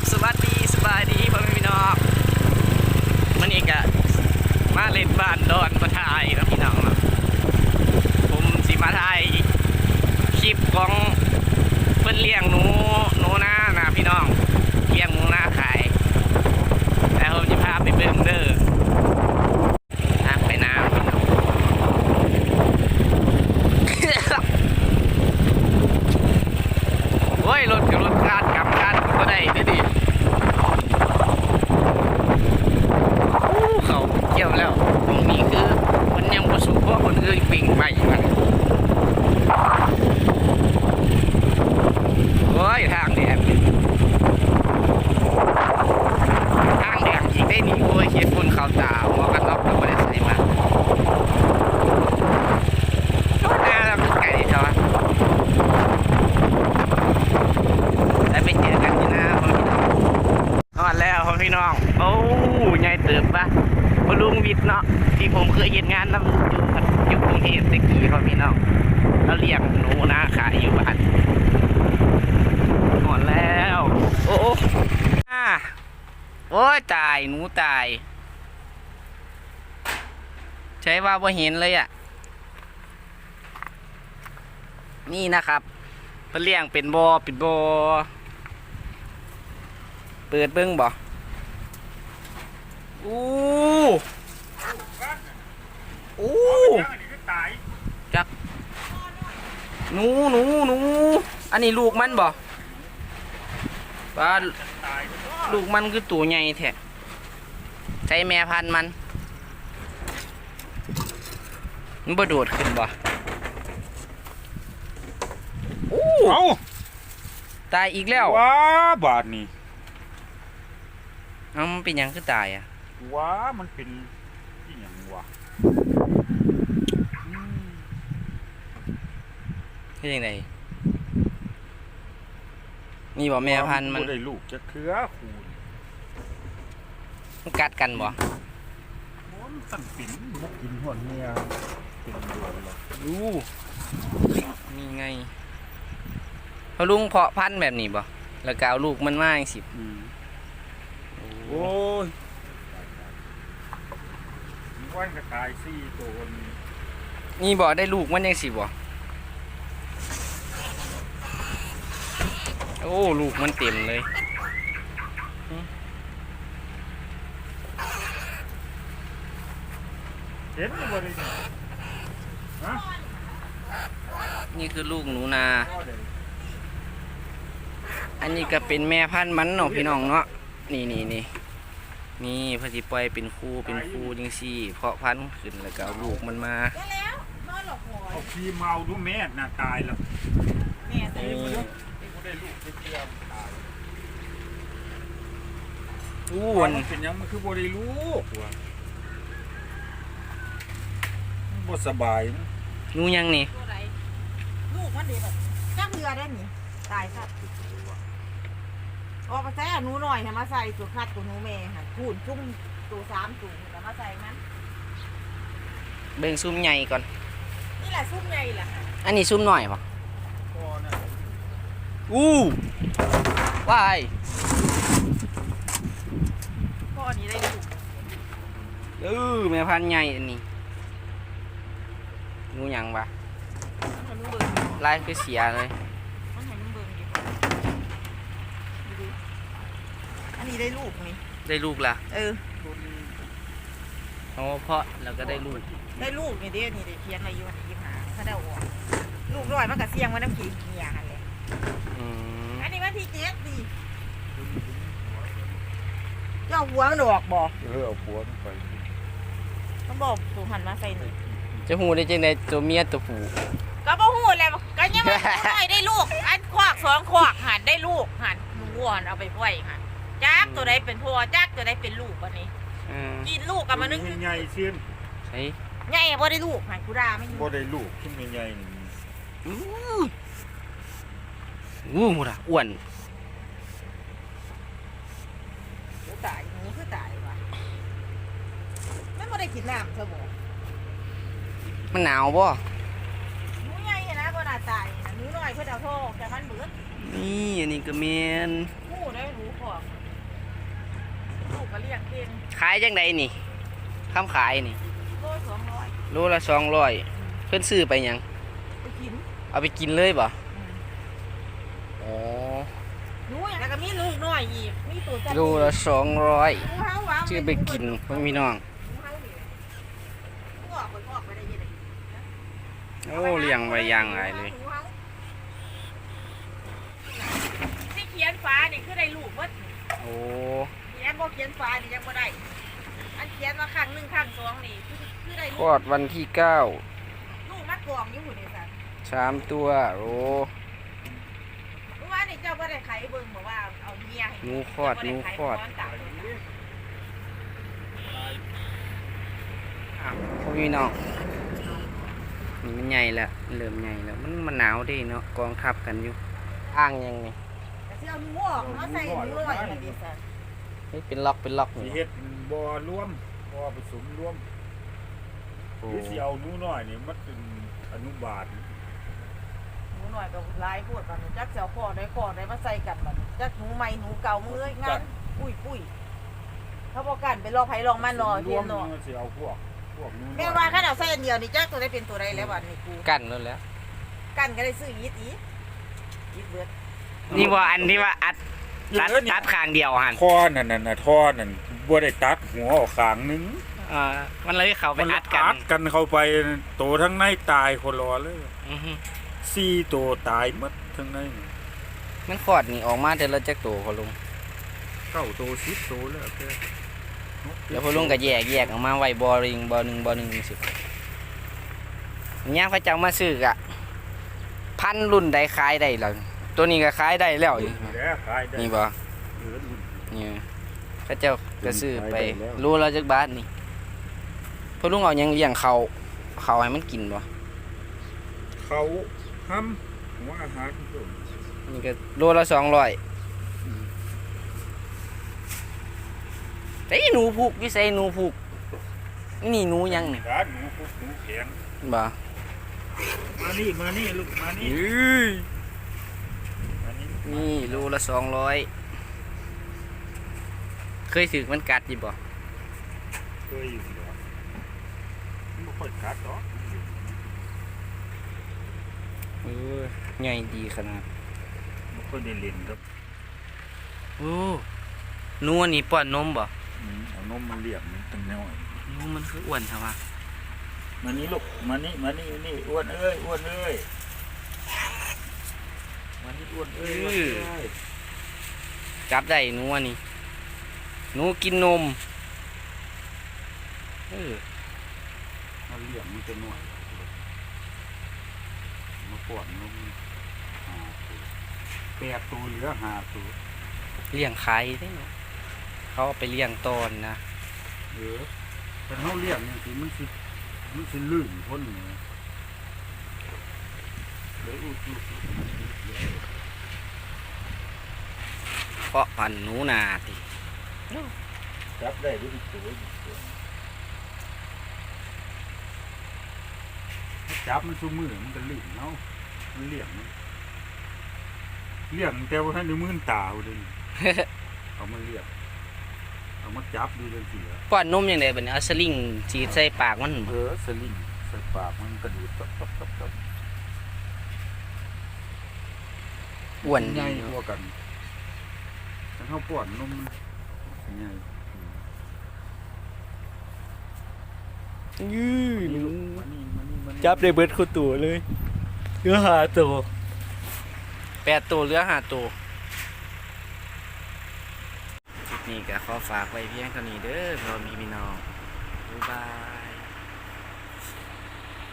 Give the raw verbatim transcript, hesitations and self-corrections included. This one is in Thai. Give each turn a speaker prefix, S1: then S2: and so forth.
S1: สวัสดีสบายดีพ่อแม่พี่น้องมันอีกอะมาเล่นบ้านดอนมาถ่ายนะพี่น้องนะผมสิมาถ่ายคลิปของเพิ่นเลี้ยงหนูหนูนานะพี่น้องเลี้ยงหนูนาขายแล้วผมจะพาไปเบิ่งเด้อทางไปน้ำพี่น้อง โอ้ยรถกับรถคาดกับคาดก็ได้ดิดิเขาเกี่ยวแล้วตรงนี้คือมันยังประสบเพราะคนอื่นปิ่งไปมันโอ้ยทางแดงทางแดงอีกได้นี่โอ้ยเขียนฝุ่นขาวตาหมวกกันน็อกก็ไม่ได้ใส่มาหน้าเราไก่ใช่ไหมได้ไปเจอกันที่หน้าพ่อพี่น้องนอนแล้วพ่อพี่น้องโอ้ยใหญ่เติบปะพ่อลุงวิทย์เนาะที่ผมเคยเห็นงานนำอยู่อยู่กรุงเทพตะกี้พ่อพี่น้องแล้วเลี้ยงหนูนะขายอยู่บ้านนอนแล้วโอ้อ่าโอ้ยตายหนูตายใช้ว่าพอเห็นเลยอ่ะนี่นะครับเพิ่นเลี้ยงเป็นบ่อเป็นบ่อเปิดเบิ้งบ่อู้อู้จักหนูหนูหนูอันนี้ลูกมันบ่ปลาลูกมันคือตัวใหญ่แท้ใช้แม่พันธุ์มันมันบ่โดดขึ้นบ่
S2: เอา
S1: ตายอีกแล้ว
S2: ว้าบาดนี่
S1: เอ้ามันเป็นหยังคือตายอ่ะ
S2: ว้ามันเป็นที่หยังวะ
S1: คือยังไงนี่บ่แม่พันธุ์มัน
S2: ได้ลูกจะเครือคูณ
S1: มันกัดกันบ่
S2: มันสั่นปิ่นมุกกินหัวเนี่ยเป็นเดือนเลย
S1: ดูนี่ไงพอลุงเพาะพันธุ์แบบนี้บ่แล้วก็เอาลูกมันมาอย่างสิบ
S2: โอ้ยมีวันกระต่ายสี่ตัวนี้
S1: นี่บ่ได้ลูกมันยังสิบ่โอ้ลูกมันเต็มเลย
S2: เห็นบ่ได้ฮะ
S1: นี่คือลูกหนูนาอันนี้ก็เป็นแม่พันธุ์มันเนาะพี่น้องเนาะนี่นี่นี่นี่พอดีปล่อยเป็นคู่เป็นคู่จังซี่เพาะพันธุ์ขึ้นแล้วก็เอาลูกมันมา
S2: เอาขี้เมาดูแม่น่ะตายแล้ว
S1: แม่ตาย
S2: ได้ลูกได้เตี้ยตาย
S1: อู้วัน
S2: เป็นยังมันคือบ่ได้ลูกว่ะบ่สบาย
S1: หนูยังนี่
S3: ลูกมันดีแบบจักเรือได้หนิตายครับออกมาใส่หนูหน่อยให้มาใส่ตัวคัดตัวหนูแม่ค่ะคูณจุ่มตัวสามตัวแล้วมาใส่มัน
S1: เบิ่งซุ่มใหญ่ก่อน
S3: นี่แหละซุ่มใหญ่แหละ
S1: อันนี้ซุ่มหน่อยป่ะอู้ว้าย
S3: พ่อนี้ได้ลูก
S1: เออแม่พันธุ์ใหญ่อันนี้หนูยังปะลายคือเสียเลย
S3: อันนี้ได้ลูกนี่
S1: ได้ลูกละ
S3: เออ
S1: โอ้เพราะแล้วก็ได้ลูก
S3: ได้ลูกนี่เด้นี่ได้เทียนอายุยี่ห้าถ้าได้ออกลูกร้อยมันก็เสี่ยงว่าน้ำขี้เหี้ยกันเลยอันนี้วันที่เจ็ดดิเจ้าหัวมันออกบ่
S2: เออเอาหัวมันไป
S3: ต้องบอกตัวหันมาใส่หนึ่ง
S1: จะหูได้จังไดตัวเมียตัวผู้
S3: ก็บ่หูแล้วก็ยังไม่ได้ได้ลูกอันควักสองควักหันได้ลูกหันหนูอ่อนเอาไปปล่อยหันจักตัวใดเป็นพ่อจักตัวใดเป็นลูกวันนี้กินลูกกับมันนึก
S2: ใหญ่เสียน
S1: ใช่
S3: ใหญ่บ่ได้ลูกหันกูด่าไม่
S2: บ่ได้ลูกขึ้นใหญ่นี่
S1: อู้อู้หมดอ่ะอ้วน
S3: ตายหนูคือตายวะไม่บ่ได้กินน้ำเธอบอก
S1: มันหนาวบ่
S3: หนูใหญ่นะบ่น่าตายหนูน้อยเพื่อเอาโทษแต่มันเบิด
S1: นี่อันนี้ก็เมน
S3: งูได้รู้ขอกลูกก็เรียกเก่ง
S1: ขายจังไดนี่คำขายนี่
S3: โลสองร้อย
S1: โลละสองร้อยเพิ่นซื้อไปหยัง
S3: ไปกิน
S1: เอาไปกินเลยบ่อ๋อ
S3: หนูอย่างแล้วก็มีลูกน้อยอีกมีตัวจั
S1: โลละสองร้อย
S3: หนูเฮาว่า
S1: ซื้อไปกินพ่อพี่น้อง
S3: หนูเฮานี่งอกไปงอกไปได้ยังไง
S1: โอ้เลี้ยงไว้อย่างไรเลย
S3: ที่เขียนฟ้านี่คือได้ลูกเบิด
S1: โอ้
S3: นี่แอมบ่เขียนฟ้านี่ยังบ่ได้อันเขียนมาครั้งหนึ่งครั้งสองนี่คือคือได้
S1: ค
S3: ลู
S1: ลอก ดวันที่เก้า
S3: ลูกมัดกองอยู่หุ่นนี่สัน
S1: สามตัวโอ้
S3: เมื่อวานนี่เจ้าบ่ได้ไขเบิ่งบอกว่าเอาเมียให้
S1: หนูคลอดหนูคลอด อ้าวพ่อพี่น้องนี่มันใหญ่แล้วเริ่มใหญ่แล้วมันมันหนาวเดิเนาะกองทับกันอยู่อ้างยังไง
S3: แต่สิเอาหนูออกมาใส่หนูลอยมันดิสัน
S1: เฮ้ยเป็นล็อกเป็นล็อก
S2: สิ
S1: นี่
S2: เฮ็ดบ่อรวมบ่อผสมรวม
S1: โอ้
S2: หรือสิเอาหนูน้อยนี่มันเป็นอนุบาล
S3: หนูหน่อยกับลายพูดกันจักเสียวคอได้คอได้มาใส่กันมันจักหนูใหม่หนูเก่ามืองานปุ้ยปุ้ยเขาบอกกันไปลองไผลองมันรอ
S2: ร
S3: เที
S2: วย ม
S3: นเนาะ
S2: มันสิเอาพวกพวกหนูน้อย
S3: แม่ว่าคันเอาใส่อันเดียวนี่จักตัวได้เป็นตัวใดแล้วบัดนี้กู
S1: กันแล้วแหล้ว
S3: กันก็ได้ซื้อยีดอียีดเบิด
S1: นี่ว่าอันที่ว่าอัดตัดตัดข้างเดียวหัน
S2: ท่อนั่นน่ะนะท่อนั่นบ่ได้ตัดหัวออกข้างหนึง
S1: อ่ามันเลยเขาไป
S2: มัน
S1: อัดกัน
S2: อัดกันเข้าไปโตทั้งในตายคนรอเลย
S1: อือฮึ
S2: สี่ตัวตายหมดทั้งใน
S1: มันคลอดนี่ออกมาแต่ละจักตัวพอลุง
S2: เก้าตัวสิบตัวแล้วแก
S1: เดี๋ยวพอลุงก็แยกแยกออกมาไว้บอริงบอหนึ่งบอหนึ่งสิเนี่ยพระเจ้ามาซื้อกะพันรุ่นใดขายได้แล้วตัวนี้ก็ขายได้แล้ว
S2: นี่แหละขายได้
S1: นี่บ่
S2: เออรุ่น
S1: นี่พระเจ้าก็ซื้อไป
S2: ขายได้แล้ว
S1: รู้แล้วจักบาทนี่พอลุงเอาหยังเลี้ยงเขาเขาให้มันกินบ่
S2: เขาห้ำหัวอาหารทุกตัว
S1: นี่ก็โลละสองร้อยแต่หนูผูกวิสัยหนูผูกนี่หนูยังเนี่ย
S2: ร้านหนูพวกหนูแข็ง
S1: บ่
S2: มานี่มานี่ลูกมานี่มานี่
S1: นี่โลละสองร้อยเคยถือมันกัดอยี่บ่
S2: เคยอยู่เหรอมันไม่ค่อยกัดหรอก
S1: เออใหญ่ดีขนาด
S2: ไม่ค่อยได้เล่นครับ
S1: โอ้หนูอันนี้ป้อนนมบ่
S2: อืมเอานมมาเลี้ยงมันตั้งน้อย
S1: หนูมันคืออ้วนใช่ปะ
S2: มานี่ลูกมานี่มานี่นี่อ้วนเอ้ยอ้วนเอ้ยมานี่อ้วนเอ้ยอ้วนเอ้ย
S1: จับได้หนูอันนี้หนูกินนมเออ
S2: มาเลี้ยงมันจะน้อยมาป้อนนมหาตัวแปดตัวเหลือห้าตัว
S1: เลี้ยงขายได้เนาะเขาเอาไปเลี้ยงตอนนะ
S2: เออแต่เขาเลี้ยงอย่างที่มันสิมันสิลื่นพ้นเลยเลยอุดอุดอุด
S1: เพราะพันธุ์หนูนาติ
S2: จับได้ด้วยตัวตัวจับมันสู้มือมันก็ลื่นเนาะมันเลี้ยงมันเลี้ยงแต่ว่าท่านดูมือตาเลย เอามาเลี้ยงเอามาจับดูเลยสิเหรอ
S1: ป้อนนมยังไงบัดนี้เอาสลิงฉีดใส่ปากมัน
S2: เออสลิงใส่ปากมันกระดูดตับตับตับตับ
S1: อ้วน
S2: ให
S1: ดี
S2: ญ่
S1: เนาะ
S2: กว่ากันแต่เขาป้อนนมมันใหญ่
S1: ยื้อ
S2: นี่ลูกมานี่มานี่มานี่
S1: จับได้เบิดคู่ตัวเลยเหลือหาตัวแปดตัวเหลือห้าตัวคลิปนี้ก็ขอฝากไว้เพียงเท่านี้เด้อพร้อมพี่น้องบ๊ายบาย